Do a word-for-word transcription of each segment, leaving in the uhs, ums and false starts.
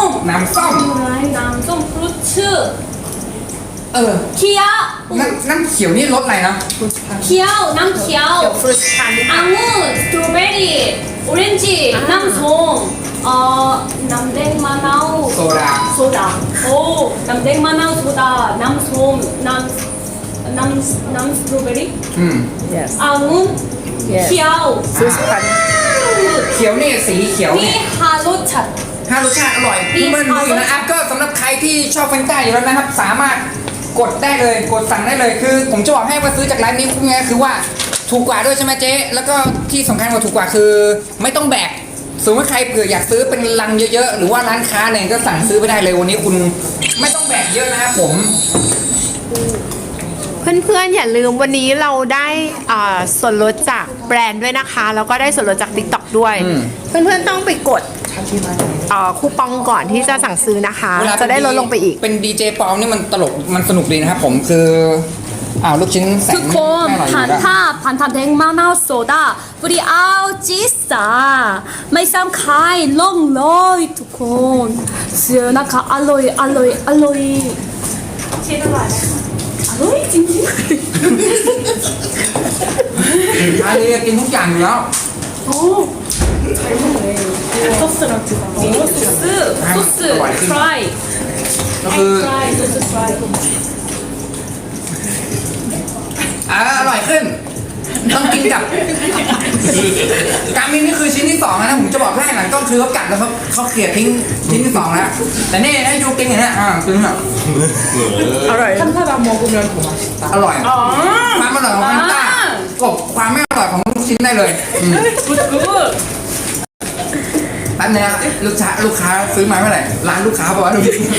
มน้ำส้มน้ำส้มฟรุตชื่อเออเขียวน้ำน้ำเขียวนี่รสอะไรนะเขียวน้ำเขียวฟรุตพันธุ์องุ่นสตรอเบอรี่ออเรนจิน้ำส้มเอ่อน้ำแดงมะนาวโซดาโซดาโอ้น้ำแดงมะนาวโซดาน้ำส้มน้ำน้ำน้ำสตรอเบอรี่อืม yes องุ่น yes เขียวฟรุตพันธุ์เขียวนี่สีเขียวมีเนี่ยฮารสชัดถ้ารสชาติอร่อยดีเพื่อนๆดูอยู่นะค่ะอ่ะก็สำหรับใครที่ชอบแฟนต้าอยู่แล้วนะครับ สามารถกดได้เลยกดสั่งได้เลยคือ ผมจะบอกให้ว่าซื้อจากร้านนี้คุ้มไงคือว่าถูกกว่าด้วยใช่ไหมเจ๊แล้วก็ที่สำคัญกว่าถูกกว่าคือ ไม่ต้องแบกสมมติว่าใครเผื่ออยากซื้อเป็นลังเยอะๆหรือว่าร้านค้าเนี่ยก็สั่งซื้อไปได้เลยวันนี้คุณไม่ต้องแบกเยอะนะครับผมเพื่อนๆอย่าลืมวันนี้เราได้อ่าส่วนลดจากแบรนด์ด้วยนะคะ แล้วก็ได้ส่วนลดจาก TikTok ด้วยอืมเพื่อนๆต้องไปกดอ่าคูปองก่อนที่จะสั่งซื้อนะคะเวลาจะได้ลดลงไปอีกเป็นดีเจปอมนี่มันตลกมันสนุกดีนะครับผมคืออ้าวลูกชิ้นแสนทุกคนไม่อร่อยอยู่ผ่านแล้วท่าผ่านทำแดงมะนาวโซดาบริเอาจิสาไม่ซ้ำใครลงเลยทุกคนเสือนะคะอร่อยอร่อยอร่อยชิ้นอร่อยอร่อยจริงอาลีกินทุกอย่างอยู่แล้วๆโอ้ใช้หมดเลย소스랑 찍어โอ้소스 소스ฟรายก็คือฟราย소스ฟรายอ่าอร่อยขึ้น ต้องกินกับการมินนี่คือชิ้นที่สองนะผมจะบอกให้หลังต้องคือเขากัดแล้วเขาเขาเกลี่ยทิ้งชิ้นที่สองแล้วแต่นี่ให้ดูกินอย่างนี้อ่ากินแบบอร่อย 한타랑 먹으면 더 맛있다. อร่อยความอร่อยของมันต้ากบความไม่อร่อยของลูกชิ้นได้เลยอืม 굿굿 แป๊บนึงนะลูกค้าลูกค้าซื้อมาเมื่อไหร่ร้านลูกค้าบอกว่าลูกชิ้น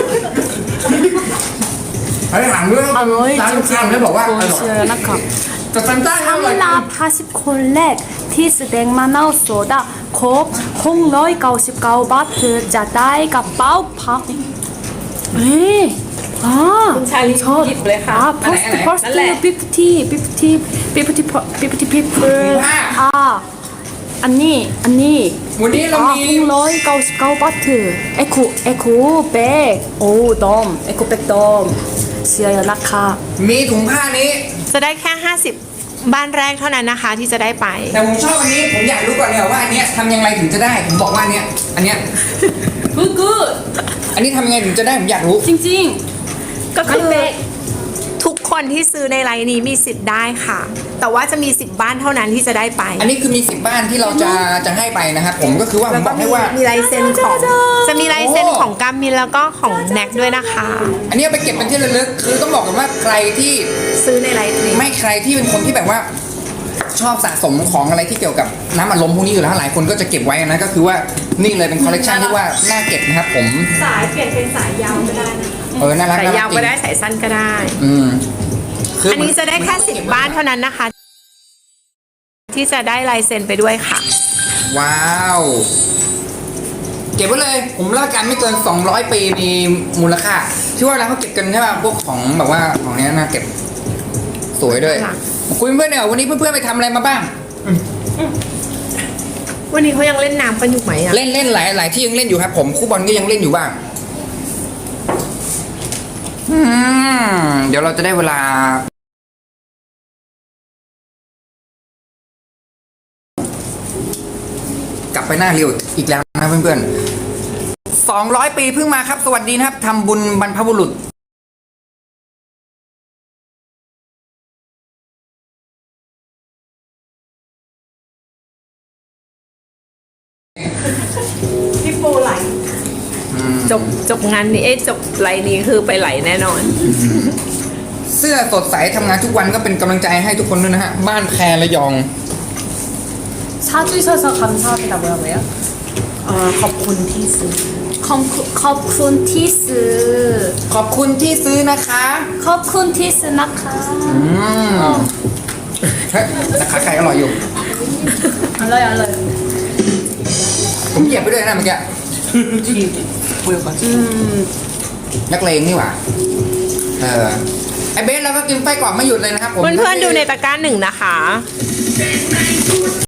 เฮ้ยถามด้วยอร่อยร้านจลูกค้าริงไม่บอกว่าๆอร่อยเสือนะคะแต่แฟนต้าอร่อยสำหรับห้าสิบคนแรกที่แสดงมะนาวโซดาครบหกร้อยเก้าสิบเก้าบาทเธอจะได้กระเป๋าพับเฮ้ยอ่าคุณชาลีชอบหยิบเลยค่ะอ่าอันไหน first อันไหน first นั่นแหละ fifty fifty fifty fifty people ห้าอ่าอันนี้อันนี้วันนี้เราอ่ามีหกร้อยเก้าสิบเก้าบาทเธอเอคูเอคูแบกโอ้ดอมเอคูแบกดอมเสียราคามีถุงผ้านี้จะได้แค่ ห้าสิบ บ้านแรกเท่านั้นนะคะที่จะได้ไปแต่ผมชอบอันนี้ผมอยากรู้ก่อนเลยว่าอันเนี้ยทำยังไงถึงจะได้ ผมบอกว่าอันเนี้ยอันเนี้ย good good อันนี้ทำยังไงถึงจะได้ผมอยากรู้จริงก็คือทุกคนที่ซื้อในไลน์นี้มีสิทธิ์ได้ค่ะ แต่ว่าจะมีสิบบ้านเท่านั้นที่จะได้ไปอันนี้คือมีสิบบ้านที่เราจะจะให้ไปนะครับผมก็คือว่าผแล้มวบก็อกมีให้ว่ามีลายเซ็นของ จะมีลายเซ็นโอ้ของกามินแล้วก็ของแน็กด้วยนะคะอันนี้เอาไปเก็บเป็นที่ระลึกคือต้องบอกกันว่าใครที่ซื้อในไลน์นี้ไม่ใครที่เป็นคนที่แบบว่า ชอบสะสมของอะไรที่เกี่ยวกับน้ำอัดลมพวกนี้อยู่แล้วหลายคนก็จะเก็บไว้นะก็คือว่านี่เลยเป็นคอลเลกชันที่ว่าน่าเก็บนะครับผมสายเปลี่ยนเป็นสายยาวก็ได้นะเออน่ารักสายน่ารัยาวจริก็งได้สายสั้นก็ได้อืมคือันนี้จะได้แค่สิบบ้านเท่านั้นนะคะ ที่จะได้ลายเซ็นไปด้วยค่ะว้าว เก็บไว้เลย ผมรับประกันไม่เกิน สองร้อย ปีมีมูลค่าที่ว่าเราเขาเก็บกันใช่ป่ะพวกของแบบว่าของเนี้ยน่าเก็บสวยด้วยค่ะคุยเพื่อนๆเนี่ยวันนี้เพื่อนๆไปทำอะไรมาบ้างวันนี้เขายังเล่นน้ำกันอยู่ไหมอะเล่นเล่นหลายหลายที่ยังเล่นอยู่ครับ ผมคู่บอลก็ยังเล่นอยู่บ้างอืมเดี๋ยวเราจะได้เวลา กลับไปหน้าเรียวอีกแล้วนะเพื่อนๆสองร้อยปีเพิ่งมาครับ สวัสดีนะครับทำบุญบรรพบุรุษพี่โปไหลจบจบงานนี้เอ้ยจบไลน์นี้คือไปไหลแน่นอนเสื้อสดใสทำงานทุกวันก็เป็นกำลังใจให้ทุกคนด้วยนะฮะ บ้านแพรระยอง 사주셔서 감사합니다 뭐라고요? เอ่อขอบคุณที่ซื้อ 컴쿠 컵쿤 티스 ขอบคุณที่ซื้อนะคะ 컵쿤 티스 나카 อืมเฮ้ยราคาไก่อร่อยอยู่ 알라요 알라요 ผมเหยียบไปด้วยนะเมื่อกี้ 뒤 보여가지고. นักเลงนี่หว่า เออ ไอเบสเราก็กินไส้กรอกไม่หยุดเลยนะครับผมเพื่อนๆดูในตะกร้าหนึ่งนะคะ